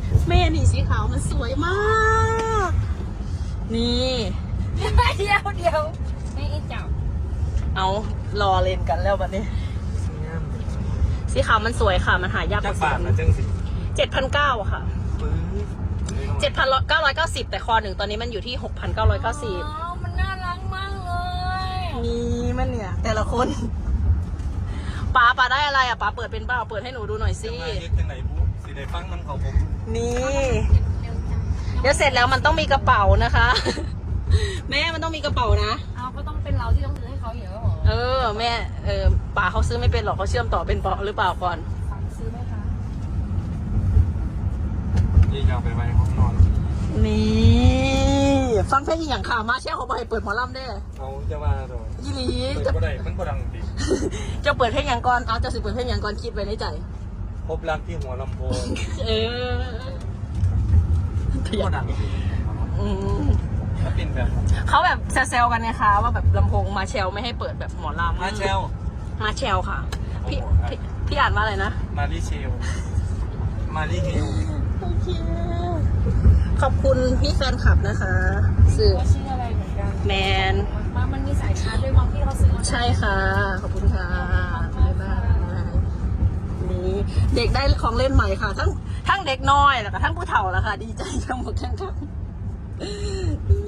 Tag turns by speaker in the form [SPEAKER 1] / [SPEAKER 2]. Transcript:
[SPEAKER 1] แม่นี่สีขาวมันสวยมาก นี่
[SPEAKER 2] เดี๋ยวไม่จับ
[SPEAKER 1] เอารอเล่นกันแล้วบัดนี้ สีขาวมันสวยค่ะ มันหายาก
[SPEAKER 3] จักบาทนะจังสิ
[SPEAKER 1] 7,900 ค่ะ
[SPEAKER 3] ปื้อ
[SPEAKER 1] 7,990 แต่คอหนึ่งตอนนี้มันอยู่ที่ 6,990
[SPEAKER 2] มันน่ารักมากเลย
[SPEAKER 1] นี่มันเนี่ย แต่ละคนป๋าได้อะไรอ่ะป๋าเปิดเป็นเปล่าเปิดให้หนูดูหน่อยสิ
[SPEAKER 3] จะมาเรียกจังไหนปุ๊สิได้ฟังน้ำเขาผม
[SPEAKER 1] นี่
[SPEAKER 2] เร็วจัง
[SPEAKER 1] เดี๋ยวเสร็จแล้วมันต้องมีกระเป๋านะคะ แม่มันต้องมีกระเป๋านะ
[SPEAKER 2] เอาก็ต้องเป็นเราที่ต้องซื้อให้เขาอยู่แล้วเหรอ
[SPEAKER 1] แม่ป๋าเขาซื้อไม่เป็นหรอกเขาเชื่อมต่อเป็นเปล่าหรือเปล่าก่อน
[SPEAKER 2] ฝากซื้อไหมคะ
[SPEAKER 3] ยี่ยาวไปไว้ห้องนอน
[SPEAKER 1] นี่ฟังเพลงอีกอย่างค่ะมาเช่เขาบอกให้เปิดหมอลำได้
[SPEAKER 3] เขาจะมาตัว
[SPEAKER 1] ยี่หลี
[SPEAKER 3] เปิดก็ได้มันก็ดังดี
[SPEAKER 1] จะเปิดเพลงอย่างก่อนเอาจะสิเปิดเพลงอย่างก่อนคิดไว้ในใจ
[SPEAKER 3] พบรักที่หัวลำโพง
[SPEAKER 1] เออ
[SPEAKER 3] ก็ดังดี
[SPEAKER 1] อืม
[SPEAKER 3] ถ้าเป็นแบบ
[SPEAKER 1] เขาแบบแซวๆกันนะคะว่าแบบลำโพงมาเชลไม่ให้เปิดแบบหมอลำ
[SPEAKER 3] มาเชล
[SPEAKER 1] มาเชลค่ะพี่อ่านว่าอะไรนะ
[SPEAKER 3] มารีเชลมารีเฮล
[SPEAKER 1] โอเคขอบคุณพี่แฟนคลับนะคะสื่อ
[SPEAKER 2] ว่าชื่ออะไรเหมือนกัน
[SPEAKER 1] แมน
[SPEAKER 2] มันมีสายชาร์จด้วยมั้งที่เขาซื้อมา
[SPEAKER 1] ใช่ค่ะ ขอบคุณค่ะบ๊ายบายนี่เด็กได้ของเล่นใหม่ค่ะ ทั้งเด็กน้อยแล้วก็ทั้งผู้เฒ่าแล้วค่ะ ดีใจทั้งหมดทั้ง